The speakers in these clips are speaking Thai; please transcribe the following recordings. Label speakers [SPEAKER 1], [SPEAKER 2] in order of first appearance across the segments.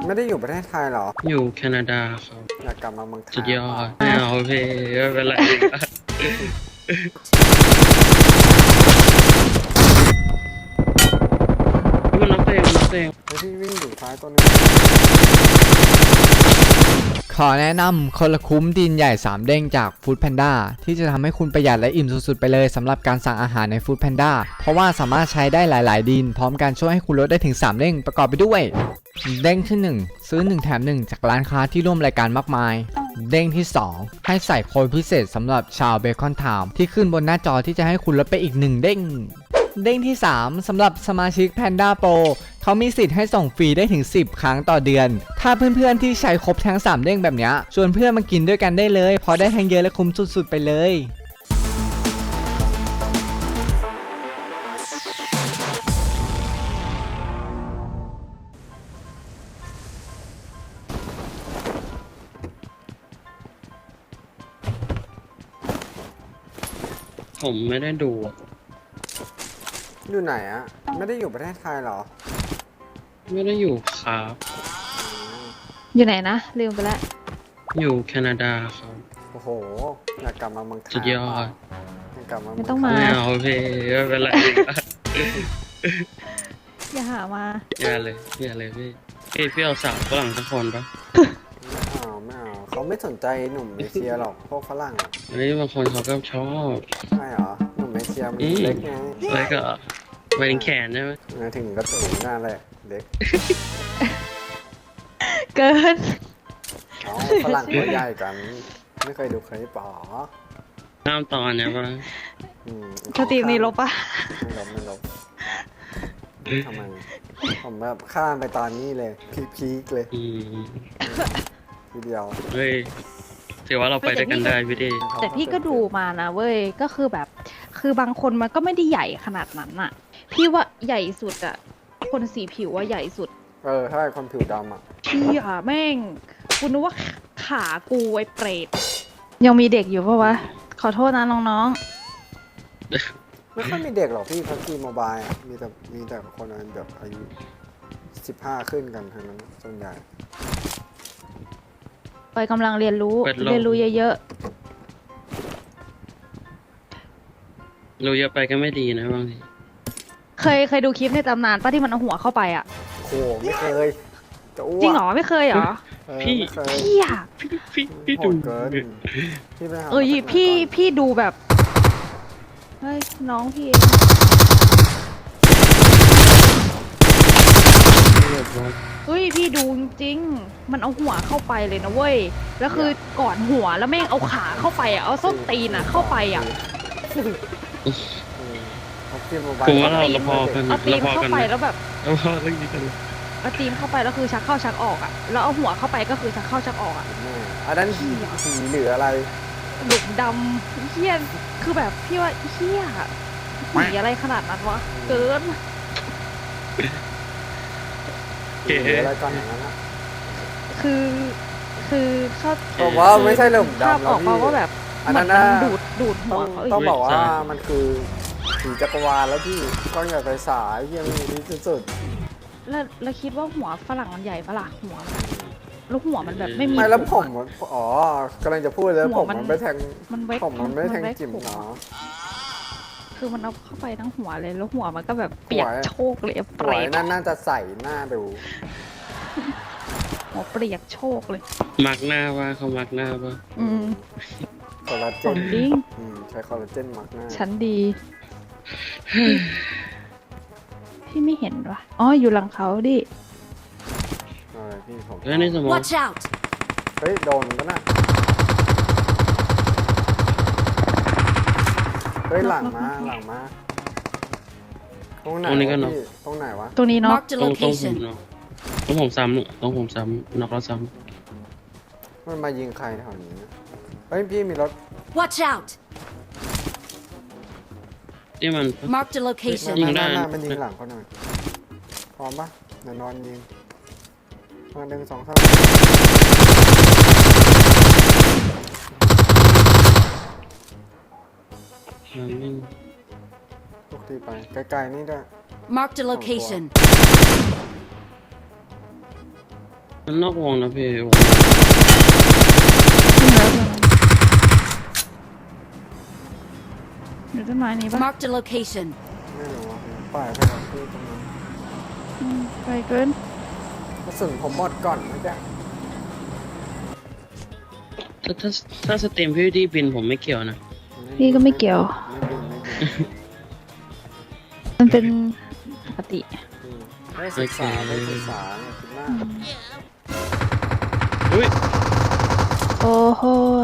[SPEAKER 1] ไม่ได้อยู่ประเทศไทยเหรอ
[SPEAKER 2] อยู่แคนาดาครับ
[SPEAKER 1] อยากกลับมาเมืองไทย
[SPEAKER 2] สุดยอดไม่เอาพี่ไม่เป็นไรมันน็อกตัวเองน็อกตัวเอง
[SPEAKER 1] ไอพี่วิ่งอยู่ซ้ายตัวนึง
[SPEAKER 3] ขอแนะนำคนละคุ้มดินใหญ่3เด้งจาก Food Panda ที่จะทำให้คุณประหยัดและอิ่มสุดๆไปเลยสำหรับการสั่งอาหารใน Food Panda เพราะว่าสามารถใช้ได้หลายๆดินพร้อมกันช่วยให้คุณลดได้ถึง3เด้งประกอบไปด้วยเด้งที่1ซื้อ1แถม1จากร้านค้าที่ร่วมรายการมากมายเด้งที่2ให้ใส่โค้ดพิเศษสำหรับชาวเบคอนไทม์ที่ขึ้นบนหน้าจอที่จะให้คุณลดไปอีก1เด้งเด้งที่ 3สำหรับสมาชิก Panda Pro เขามีสิทธิ์ให้ส่งฟรีได้ถึง10ครั้งต่อเดือนถ้าเพื่อนๆที่ใช้ครบทั้ง3เด้งแบบนี้ชวนเพื่อนมากินด้วยกันได้เลยเพราะได้ทั้งเยอะและคุ้มสุดๆไปเลย
[SPEAKER 2] ผมไม่ได้ดู
[SPEAKER 1] อยู่ไหนอะไม่ได้อยู่ประเทศไทยเหรอ
[SPEAKER 2] ไม่ได้อยู่ครับ
[SPEAKER 4] อยู่ไหนนะลืมไปแล้ว
[SPEAKER 2] อยู่แคนาดาครับ
[SPEAKER 1] โอ้โหอยากกลับมาเมืองไทย
[SPEAKER 2] สุดยอด
[SPEAKER 1] อยากกลับมา
[SPEAKER 4] ไม่ต้องมา
[SPEAKER 2] ไม่เอาพี่ไม่เป็นไร
[SPEAKER 4] อย่าหามา
[SPEAKER 2] อย่าเลยพี่เอาสาวฝรั่งสักคนปะ
[SPEAKER 1] ไม่เอาเขาไม่สนใจหนุ่มเอเชียหรอกพวกฝรั่งอะ
[SPEAKER 2] เฮ้ยบางคนเขาก็ชอบ
[SPEAKER 1] ใช่เหรอหนุ่มเอเชียมันเล็กไง
[SPEAKER 2] แล้วก็ไปถึงแขนใช่ไหม
[SPEAKER 1] มาถึงกระตูหน้าเลยเล็ก
[SPEAKER 4] เกิน
[SPEAKER 1] อ๋อฝรั่งตัวใหญ่กันไม่เคยดูเคยป๋อ
[SPEAKER 2] ข้ามตอนเนี่ยปะ
[SPEAKER 4] สตรีมนี้ลบปะ
[SPEAKER 1] ไม่ลบทำไมผมแบบข้ามไปตอนนี้เลยพีคเลยทีเดียว
[SPEAKER 2] เฮ้ยถือว่าเราไปด้วยกันได้พี่ดี
[SPEAKER 4] แต่พี่ก็ดูมานะเว้ยก็คือแบบคือบางคนมันก็ไม่ได้ใหญ่ขนาดนั้นอะพี่ว่าใหญ่สุดอะคนสีผิวว่าใหญ่สุด
[SPEAKER 1] ใช่คนผิวดำอะ
[SPEAKER 4] พี่อะแม่งกูนึกว่าขากูไอ้เปรตยังมีเด็กอยู่ปะวะขอโทษนะน้อง
[SPEAKER 1] ๆไม่ค่อยมีเด็กหรอกพี่พับจีโมบายอะมีแต่คนแบบอายุ15ขึ้นกันทั้งนั้นส่วนใหญ่
[SPEAKER 4] ไปกำลังเรียนรู้เยอะ
[SPEAKER 2] รู้เยอะไปก็ไม่ดีนะบางที
[SPEAKER 4] เคยดูคลิปในตำนานป้าที่มันเอาหัวเข้าไปอะ
[SPEAKER 1] โอ้ไม่เคย
[SPEAKER 4] จริงเหรอไม่เคยเหรอพี่อะ
[SPEAKER 2] พี่ดู
[SPEAKER 1] เกิน
[SPEAKER 4] พี่ดูแบบเฮ้ยน้องพี่เฮ้ยพี่ดูจริงมันเอาหัวเข้าไปเลยนะเว้ยแล้วคือก่อนหัวแล้วแม่งเอาขาเข้าไปอ่ะเอาส้นตีนอ่ะเข้าไปอ่ะ
[SPEAKER 2] ผมว่าเราพอกัน
[SPEAKER 4] เอาตีนเข้าไปแล้วแบบ
[SPEAKER 2] เราพอเรื่องนี้กัน
[SPEAKER 4] เอาตีนเข้าไปแล้วคือชักเข้าชักออกอ่ะแล้วเอาหัวเข้าไปก็คือชักเข้าชักออกอ่ะ
[SPEAKER 1] อันนั้นสีหรืออะไร
[SPEAKER 4] หลุมดำเฮี้ยนคือแบบพี่ว่าเฮี้ยสีอะไรขนาดนั้นวะเกิน
[SPEAKER 1] อะไรก่อนอย่างนั้น
[SPEAKER 4] คือเขา
[SPEAKER 1] บอกว่าไม่ใช่หลุมดำ
[SPEAKER 4] ออกมาว่าแบบ
[SPEAKER 1] อันนั้น
[SPEAKER 4] ดูดหัว
[SPEAKER 1] ต้องบอกว่ามันคือสีจักรวาลแล้วพี่ก้อนใหญ่ไฟสายยังมีที่สุด
[SPEAKER 4] แล้วคิดว่าหัวฝรั่งมันใหญ่ปะล่ะหัวแล้วหัวมันแบบไม่มี
[SPEAKER 1] ไม่แล้วผมกำลังจะพูดแล้วผมมันไม่แทงผมมันไม่แทงจิ๋มเนาะ
[SPEAKER 4] คือมันเอาเข้าไปทั้งหัวเลยแล้วหัวมันก็แบบเปียกโชกเลยเปรต
[SPEAKER 1] น่าจะใส่หน้าดู
[SPEAKER 4] หัวเปียกโชกเลย
[SPEAKER 2] มักหน้าว่าเขามักหน้าป่ะ
[SPEAKER 1] คอลลาเจนใช้คอลลาเจนมักหน้า
[SPEAKER 4] ชั้นดีพี่ไม่เห็นวะอ๋ออยู่หลังเขาดิ
[SPEAKER 1] พี่ผม
[SPEAKER 2] ในสมอง
[SPEAKER 5] Watch out
[SPEAKER 1] เฮ้ยโดนก็น่ะเฮ้ยหลังมาตรงไหนตรงไหนวะ
[SPEAKER 4] ตรงนี้เนาะ
[SPEAKER 2] ต้องผมซ้ำน็อกแล้วซ้
[SPEAKER 1] ำมันมายิงใครแถวนี้เฮ้ยพี่มีรถ
[SPEAKER 5] Watch out
[SPEAKER 2] ที่มัน
[SPEAKER 5] Mark the location
[SPEAKER 1] ยิงได้มันยิงหลังเขาหน่อยพร้อมปะเดี๋ยวนอนยิงมา1 2 3ทุกทีไปไกลๆนี่ด้วย
[SPEAKER 5] Mark the location
[SPEAKER 2] มันนอกวงนะพี่วง
[SPEAKER 4] ขึ้นแล้วตัวนั้นอยู่ต้นไม้นี้ปะ
[SPEAKER 5] Marked a location.
[SPEAKER 1] ไม่รู้ว่าปล่อยไปครับพี่ตรงนั้น
[SPEAKER 4] ไปเกิน
[SPEAKER 1] กระสุนผมหมดก่อนนะจ๊ะ
[SPEAKER 2] ถ้าสเต็มพี่ที่บินผมไม่เกี่ยวนะ
[SPEAKER 4] พี่ก็ไม่เกี่ยว
[SPEAKER 1] ไม่บินไม่บิน
[SPEAKER 4] มันเป็นปกติ
[SPEAKER 1] ได้ศึกษาได้ศึกษาเนี่ยคิดมาก
[SPEAKER 2] อุ้ย
[SPEAKER 4] โอ้โห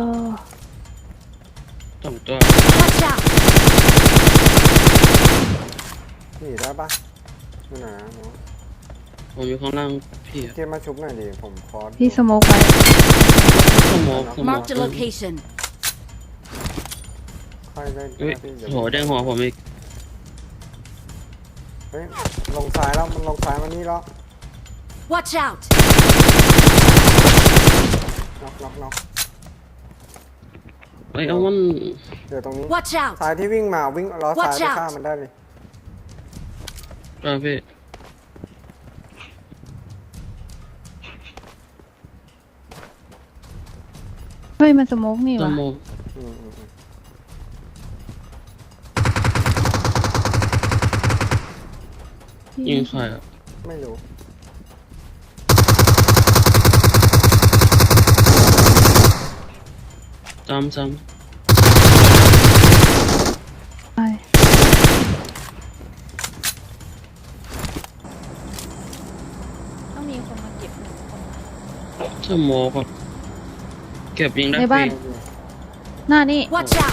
[SPEAKER 2] สองตัว
[SPEAKER 5] Watch out!
[SPEAKER 1] หนีได้ปะไม่หนาเนาะ
[SPEAKER 2] ผมอยู่ข้างล่างพี่อะ
[SPEAKER 1] เกมมาชุบหน่อยดิผมคอร์ส
[SPEAKER 4] พี่สโมกไว้
[SPEAKER 2] สมองสมอง
[SPEAKER 5] Marked a location.
[SPEAKER 1] ค่อยได้
[SPEAKER 2] อุ้ย
[SPEAKER 1] พี่เดี๋ยว
[SPEAKER 2] โหแดงหัวผมอีก
[SPEAKER 1] เฮ้ยลงซ้ายแล้วมันลงซ้ายมานี่แล้ว
[SPEAKER 5] Watch out!
[SPEAKER 1] น็อก
[SPEAKER 2] เอ้ยเอามัน
[SPEAKER 1] เดี๋ยวตรงนี้
[SPEAKER 5] Watch out!
[SPEAKER 1] ซ้ายที่วิ่งมาวิ่งล้อซ้าย
[SPEAKER 5] Watch
[SPEAKER 1] ไป
[SPEAKER 5] out
[SPEAKER 1] ฆ่ามันได้เลย
[SPEAKER 2] พี่
[SPEAKER 4] เฮ้ยมันสโมกนี่
[SPEAKER 2] ส
[SPEAKER 4] วะ
[SPEAKER 2] มอง
[SPEAKER 1] อืม
[SPEAKER 2] ยิงใครอ่ะ
[SPEAKER 1] ไม่รู้
[SPEAKER 2] ซ้ำ
[SPEAKER 4] ไปต้องมีคนมาเก็บหนึ่งคน
[SPEAKER 2] สมองอ่ะเก็บยิงได้
[SPEAKER 4] ใน
[SPEAKER 2] ฟ
[SPEAKER 4] บ้า
[SPEAKER 2] รี
[SPEAKER 4] น หน้านี่
[SPEAKER 5] Watch out!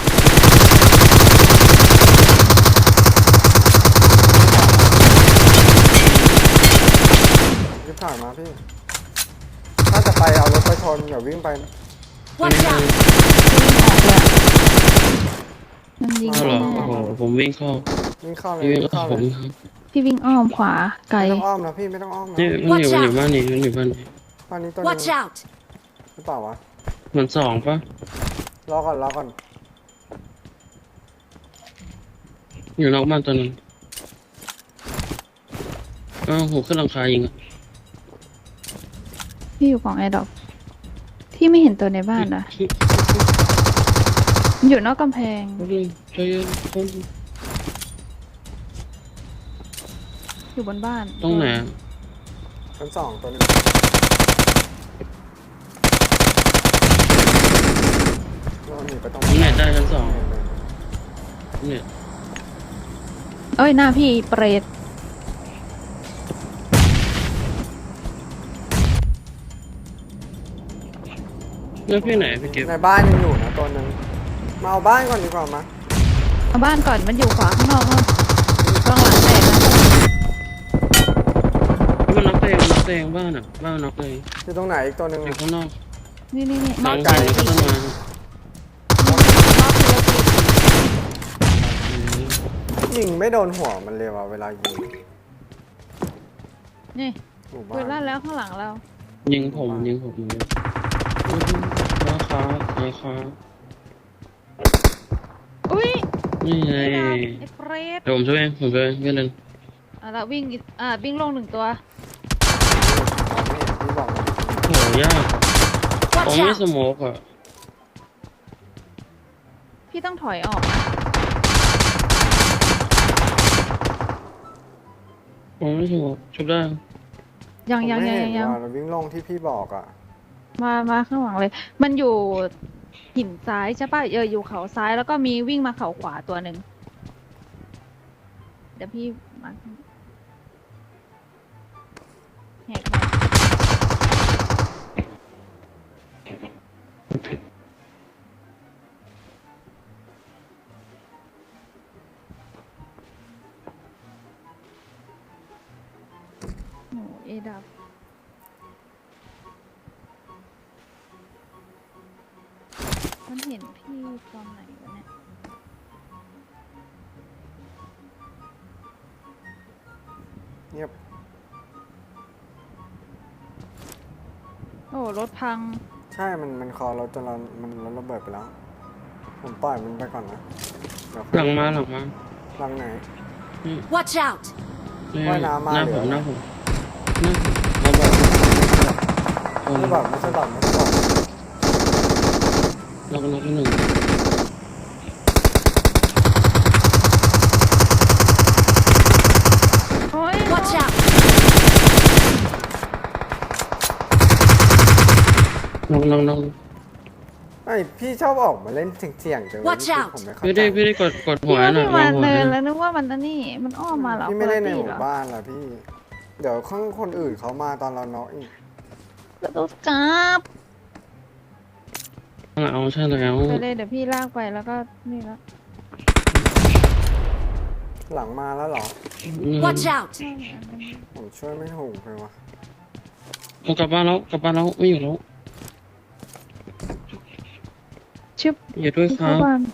[SPEAKER 1] รีบถ่ายมาพี่ ถ้าจะไปเอารถไปชนอย่าวิ่งไป
[SPEAKER 5] Watch out!
[SPEAKER 4] มันยิง
[SPEAKER 2] อ้าวเหรอ
[SPEAKER 4] แน่
[SPEAKER 2] โอ้โหผมวิ่งเข้า
[SPEAKER 1] วิ่งเข้าเลย
[SPEAKER 2] พี่วิ่ง
[SPEAKER 1] วิ่ง
[SPEAKER 2] เข้า
[SPEAKER 1] เข้า
[SPEAKER 2] ผ
[SPEAKER 1] เล
[SPEAKER 2] ม
[SPEAKER 1] ย
[SPEAKER 4] พี่วิ่งอ้อมขวาไกล
[SPEAKER 1] ไม่ต้องอ้อมนะพี่ไม่ต้องอ้อมนะ
[SPEAKER 2] นี่มันอยู่บ้านนี้มันอยู่บ้านนี้
[SPEAKER 1] ตอนนี้ตัวนึ
[SPEAKER 5] Watch
[SPEAKER 1] ง
[SPEAKER 5] out!
[SPEAKER 1] หรือเปล่าวะ
[SPEAKER 2] เหมือนสองปะ
[SPEAKER 1] รอก่อน
[SPEAKER 2] อยู่นอกบ้านตัวนึงอ้าวผมขึ้นหลังคายิงอ่ะ
[SPEAKER 4] พี่อยู่กล่องแอร์ดรอปพี่ไม่เห็นตัวในบ้านนะมันอยู่นอกกำแพง
[SPEAKER 2] ใจเย็นคน
[SPEAKER 4] อยู่บนบ้าน
[SPEAKER 2] ตรงไหนอะ
[SPEAKER 1] ชั้นสองตัวนึงเราหนีไปตรง
[SPEAKER 2] ผมเน็ตได้ชั้นสองเน็ต
[SPEAKER 4] เอ้ยหน้าพี่เปรต
[SPEAKER 2] แล้วพี่ไหนพี่เก็บ
[SPEAKER 1] ในบ้านยังอยู่นะตัวนึงมาเอาบ้านก่อนดีกว่ามา
[SPEAKER 4] เอาบ้านก่อนมันอยู่ขวาข้างนอกนู่นข้างหลังแตกนะ
[SPEAKER 2] มันน็อกตัวเองมันน็อกตัวเองบ้านอ่ะบ้านน็อกตัวเอง
[SPEAKER 1] อยู่ตรงไหนอีกตัวนึง
[SPEAKER 2] อยู่ข้างนอก
[SPEAKER 4] นี่
[SPEAKER 2] หลัง
[SPEAKER 1] ไกล
[SPEAKER 2] หินแล้วก็ต้นไม้
[SPEAKER 1] ยิงไม่โดนหัวมันเลยว่ะเวลายิง
[SPEAKER 4] นี่
[SPEAKER 1] หมู่
[SPEAKER 4] เปิด
[SPEAKER 1] บ้า
[SPEAKER 4] ลั่
[SPEAKER 1] น
[SPEAKER 4] นแล้วข้างหลังเรา
[SPEAKER 2] ยิงผมราคา
[SPEAKER 4] อุ้ย
[SPEAKER 2] นี่ไง
[SPEAKER 4] ไอ้เปรต
[SPEAKER 2] เดี๋ยวผมช่วยเองพี่เล่น
[SPEAKER 4] แล้ววิ่งอีกวิ่งลงหนึ่งตัว
[SPEAKER 1] ที่บอกมัน
[SPEAKER 2] โหยากผม
[SPEAKER 5] Watch
[SPEAKER 2] ไม่
[SPEAKER 5] out!
[SPEAKER 2] สโมกอ่ะ
[SPEAKER 4] พี่ต้องถอยออกนะ
[SPEAKER 2] ผมไม่สโมกชุบได้
[SPEAKER 4] ยัง
[SPEAKER 1] ผมไม่เห็นว่าเราวิ่งลงที่พี่บอกอ่ะ
[SPEAKER 4] มาข้างหลังเลย มันอยู่หินซ้ายใช่ป่ะอยู่เขาซ้ายแล้วก็มีวิ่งมาเขาขวาตัวหนึ่งเดี๋ยวพี่มาแหกโอ้เอดับ มันเห็นพี่ตอนไหนวะเนี่ย
[SPEAKER 1] เงียบ
[SPEAKER 4] โอ้รถพัง
[SPEAKER 1] ใช่มันคอรถจนเรามันรถระเบิดไปแล้ว ผมปล่อยมันไปก่อนนะเดี๋ยว
[SPEAKER 2] หลังมา
[SPEAKER 1] หลังไหน
[SPEAKER 5] Watch out!
[SPEAKER 2] นี่
[SPEAKER 1] ว่ายน้ำมา
[SPEAKER 2] หน้า
[SPEAKER 1] เหร
[SPEAKER 2] ผ
[SPEAKER 1] อ
[SPEAKER 2] มหน้าผมระเบิด
[SPEAKER 1] ไม่บอกไม่ใช่บอกไม่ใช่บอก
[SPEAKER 2] น็อกที่หนึ่ง
[SPEAKER 4] โอ้ย
[SPEAKER 5] Watch out!
[SPEAKER 2] น็อก
[SPEAKER 1] ไอพี่ชอบออกมาเล่นเสี่ยงๆจังเลย
[SPEAKER 5] Watch out
[SPEAKER 1] ผมไม่เข้า
[SPEAKER 2] พี่
[SPEAKER 1] ใจ
[SPEAKER 2] ได้กดหั
[SPEAKER 4] พี่
[SPEAKER 2] ว
[SPEAKER 4] ว่า
[SPEAKER 2] หน่อ
[SPEAKER 4] พี่
[SPEAKER 2] ย
[SPEAKER 4] มา
[SPEAKER 2] หัว
[SPEAKER 4] เนิน
[SPEAKER 2] ห
[SPEAKER 4] แล้
[SPEAKER 2] น่อยว
[SPEAKER 4] นึกว่ามันนั่นนี่มันอ้อมมาเหรอ
[SPEAKER 1] พี่ไม่เล่นในห
[SPEAKER 4] เหร
[SPEAKER 1] มู่
[SPEAKER 4] อ
[SPEAKER 1] บ้านล่ะพี่ เดี๋ยวข้างคนอื่นเขามาตอนเราน็อกอีก
[SPEAKER 4] ก็ต้องจับ
[SPEAKER 2] เอาใช่แล้ว
[SPEAKER 4] ไปเลยเดี๋ยวพี่ลากไปแล้วก็นี่แล้ว
[SPEAKER 1] หลังมาแล้วเหรอ
[SPEAKER 5] Watch out!
[SPEAKER 1] ผมช่วยไม่ถูกเลยวะ
[SPEAKER 2] เอากลับบ้านแล้วไม่อยู่แล้ว
[SPEAKER 4] ชึบ
[SPEAKER 2] อย่าด้วยค
[SPEAKER 4] เข้า
[SPEAKER 2] รับ
[SPEAKER 4] บ้าน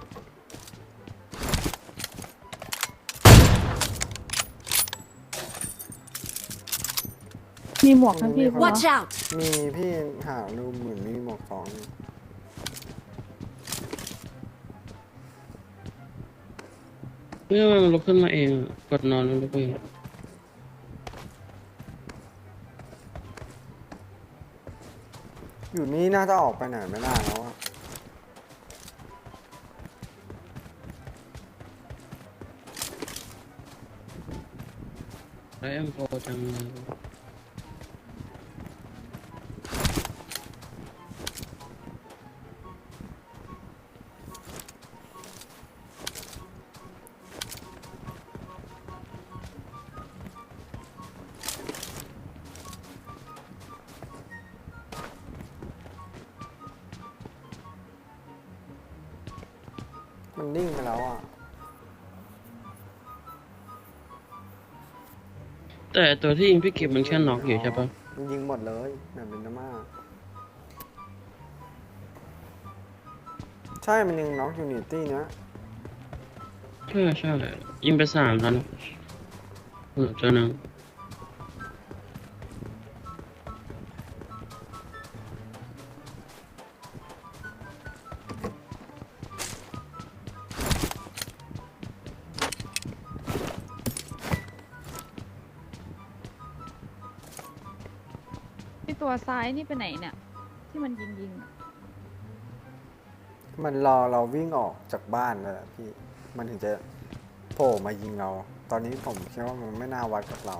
[SPEAKER 4] มีหมวกนะพี่ปะวะ
[SPEAKER 5] Watch out!
[SPEAKER 1] มีพี่หาดูเหมือนมีหมวกสองอยู่
[SPEAKER 2] เมื่อมันลุกขึ้นมาเองกดนอนแล้วลุกไปเอง
[SPEAKER 1] อยู่นี่น่าจะออกไปไหนไม่ได้แล้วอะ
[SPEAKER 2] ได้เอ็มโฟจังเลย
[SPEAKER 1] มันนิ่งไปแล้วอ่ะ
[SPEAKER 2] แต่ตัวที่ยิงพี่เก็บมันแค่น็อกอยู่ใช่ปะ
[SPEAKER 1] มันยิงหมดเลยแบบเป็นน้ำมาใช่มันยังน็อกอยู่นิตี้เนี้ย
[SPEAKER 2] ใช่ยิงไป3แล้วนะตัวนึง
[SPEAKER 4] ที่ตัวซ้ายนี่ไปไหนเนี่ย ที่มันยิงอะ
[SPEAKER 1] มันรอเราวิ่งออกจากบ้านเลยอะพี่ มันถึงจะโผล่มายิงเรา ตอนนี้ผมคิดว่ามันไม่น่าวัดกับเรา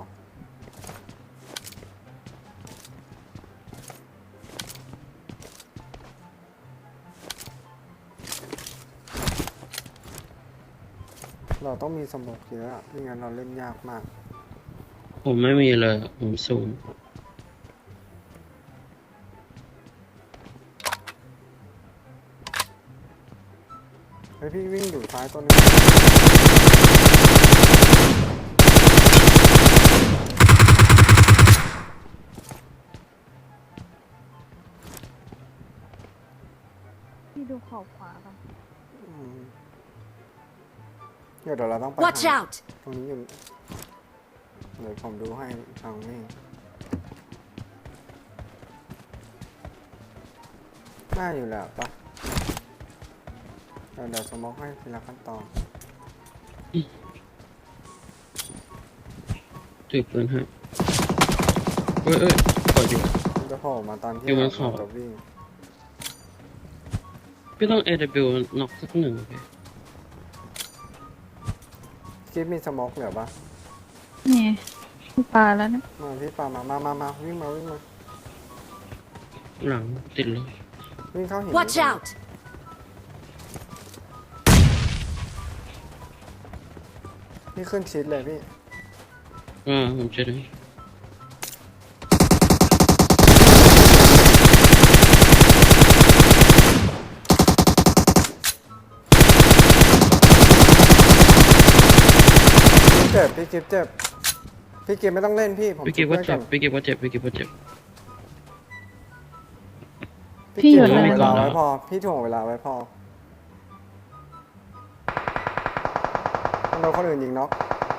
[SPEAKER 1] เราต้องมีสโมกเยอะอะไม่งั้นเราเล่นยากมาก
[SPEAKER 2] ผมไม่มีเลยผมศูนย์
[SPEAKER 1] เฮ้ยพี่วิ่งอยู่ซ้ายตัวนึง
[SPEAKER 4] พี่ดูขอบขวากัน
[SPEAKER 1] อืมเดี๋ยวเราต้องไป
[SPEAKER 5] Watch
[SPEAKER 1] ทาง
[SPEAKER 5] out!
[SPEAKER 1] ตรงนี้อยู่เดี๋ยวผมดูให้ทางนี้น่าอยู่แล้วปะเดี๋ยวสโมกให้ทีละขั้นตอน
[SPEAKER 2] ถือปืนให้เอ้ยกดอยู่
[SPEAKER 1] มันจะโผล่มาตอนที่
[SPEAKER 2] อยู่บนเขา
[SPEAKER 1] จะวิ่ง
[SPEAKER 2] พี่ต้อง AW น็อกสักหนึ่งพี่
[SPEAKER 1] คิดมีสโมกเหลือปะ
[SPEAKER 4] นี่พี่ปลาแล้วนะ
[SPEAKER 1] มาพี่ปามาวิ่งมา
[SPEAKER 2] หลังติดเลย
[SPEAKER 1] วิ่งเข้าหิน
[SPEAKER 5] Watch out!
[SPEAKER 1] พี่ขึ้นชิดเลยพี่
[SPEAKER 2] ผมจะได้
[SPEAKER 1] พี่กิฟเจ็บพี่กิฟไม่ต้องเล่นพี่ผม
[SPEAKER 2] พี่เก็บว่า
[SPEAKER 1] ช่วย
[SPEAKER 2] เจ็บพี่เก็บว่าเจ็บ
[SPEAKER 1] พี่
[SPEAKER 4] พี่อยู่
[SPEAKER 1] ถ่วง
[SPEAKER 4] ไหน
[SPEAKER 1] เวลาไว้พอ พี่ถ่วงเวลาไว้พอโดนคนอื่นยิงน็อก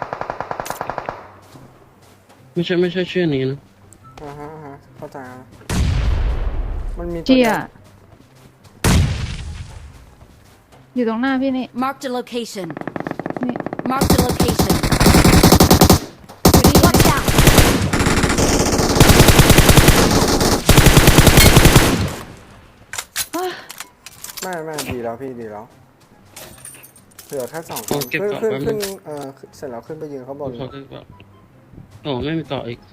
[SPEAKER 2] ไม่ใช่ชื่อนี้นะ
[SPEAKER 1] ฮะเข้าใจแล้วมันมีตัว
[SPEAKER 4] เจีย
[SPEAKER 1] ดีว
[SPEAKER 4] อยู่ตรงหน้าพี่นี่
[SPEAKER 5] Marked a location.
[SPEAKER 4] นี่
[SPEAKER 5] Marked a location.
[SPEAKER 4] อยู่นี่
[SPEAKER 5] Watch out!
[SPEAKER 1] ไม่ดีแล้วพี่ดีแล้วเหลือแค่2 ค
[SPEAKER 2] โอ้
[SPEAKER 1] น
[SPEAKER 2] เก็บ
[SPEAKER 1] ขึ้น
[SPEAKER 2] ก่อน
[SPEAKER 1] ขึ้น
[SPEAKER 2] แป๊บนึ
[SPEAKER 1] ขึ้น
[SPEAKER 2] ง
[SPEAKER 1] เสร็จแล้วขึ้นไปยืนข้างบน
[SPEAKER 2] เขาได้ปะโอ้ไม่มีต่ออีก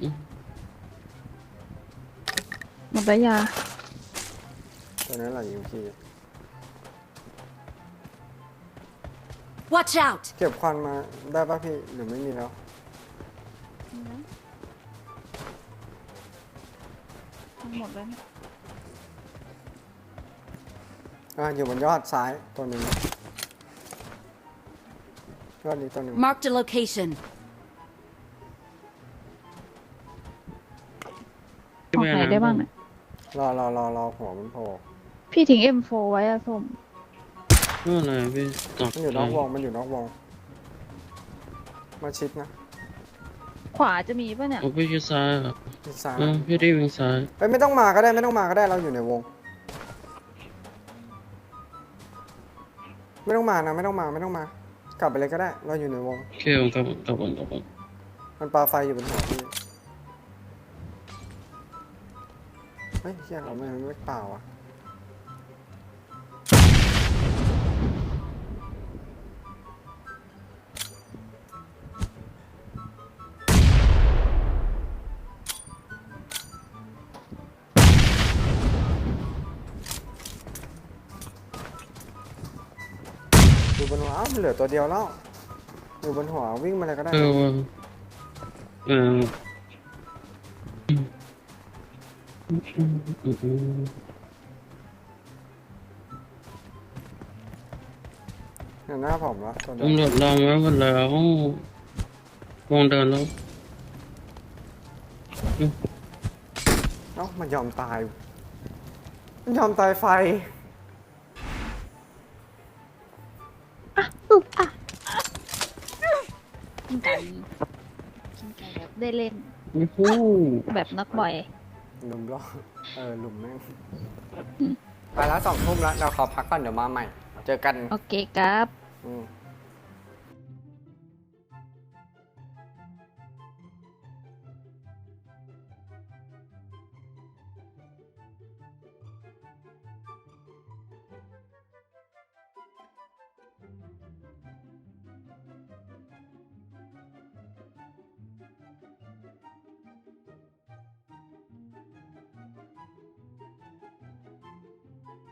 [SPEAKER 4] หมดแล้วยา
[SPEAKER 1] ตัวนั้นแหละยิงพี่
[SPEAKER 5] Watch out!
[SPEAKER 1] เก็บควันมาได้ป่ะพี่หรือไม่มีแล้ว
[SPEAKER 4] หมดแล้วเนี่ย
[SPEAKER 1] อยู่บนยอดซ้ายตัวหนึ่งยอดนี้ตัวหนึ่ง
[SPEAKER 5] Marked a location.
[SPEAKER 4] ของไหนได้บ้างเนี่ย
[SPEAKER 1] รอหัวมันโผล่
[SPEAKER 4] พี่ทิ้ง M4 ไว้อะส้ม
[SPEAKER 2] ไม่เป็นไรพี่ต่อ
[SPEAKER 1] มันอยู่นอกวงมันอยู่นอกวงมาชิดนะ
[SPEAKER 4] ขวาจะมีป่ะเนี่ย
[SPEAKER 2] โอ้พี่ชิดซ้ายเหรอ
[SPEAKER 1] ชิดซ้าย
[SPEAKER 2] พี่ได้วิ่งซ้าย
[SPEAKER 1] ไม่ต้องมาก็ได้ไม่ต้องมาก็ได้เราอยู่ในวง ไม่ต้องมานะไม่ต้องมากลับไปเลยก็ได้เราอยู่ในวง
[SPEAKER 2] โอเคผมกลับก่อน
[SPEAKER 1] มันปาไฟอยู่บนหัวพี่เฮ้ยเฮียเราไม่เปล่าอ่ะอยู่บนหัวมันเหลือตัวเดียวแล้วอยู่บนหัววิ่งมาเลยก็ได้
[SPEAKER 2] ว่าเออ
[SPEAKER 1] เนี่ยหน้าผมละตัวเดียว
[SPEAKER 2] ตำรวจล้อมไว้หมดแล้ววงเดินแล้ว
[SPEAKER 1] เอ้ามันยอมตาย มันยอมตายไฟ
[SPEAKER 4] กินไก่แบบได้เล่น
[SPEAKER 2] โอ้โห
[SPEAKER 4] แบบนักบ่อย
[SPEAKER 1] หลุมล่อหลุมแม่งไปแล้ว2 ทุ่มแล้วเราขอพักก่อนเดี๋ยวมาใหม่ เจอกัน
[SPEAKER 4] โอเคครับ
[SPEAKER 1] อืม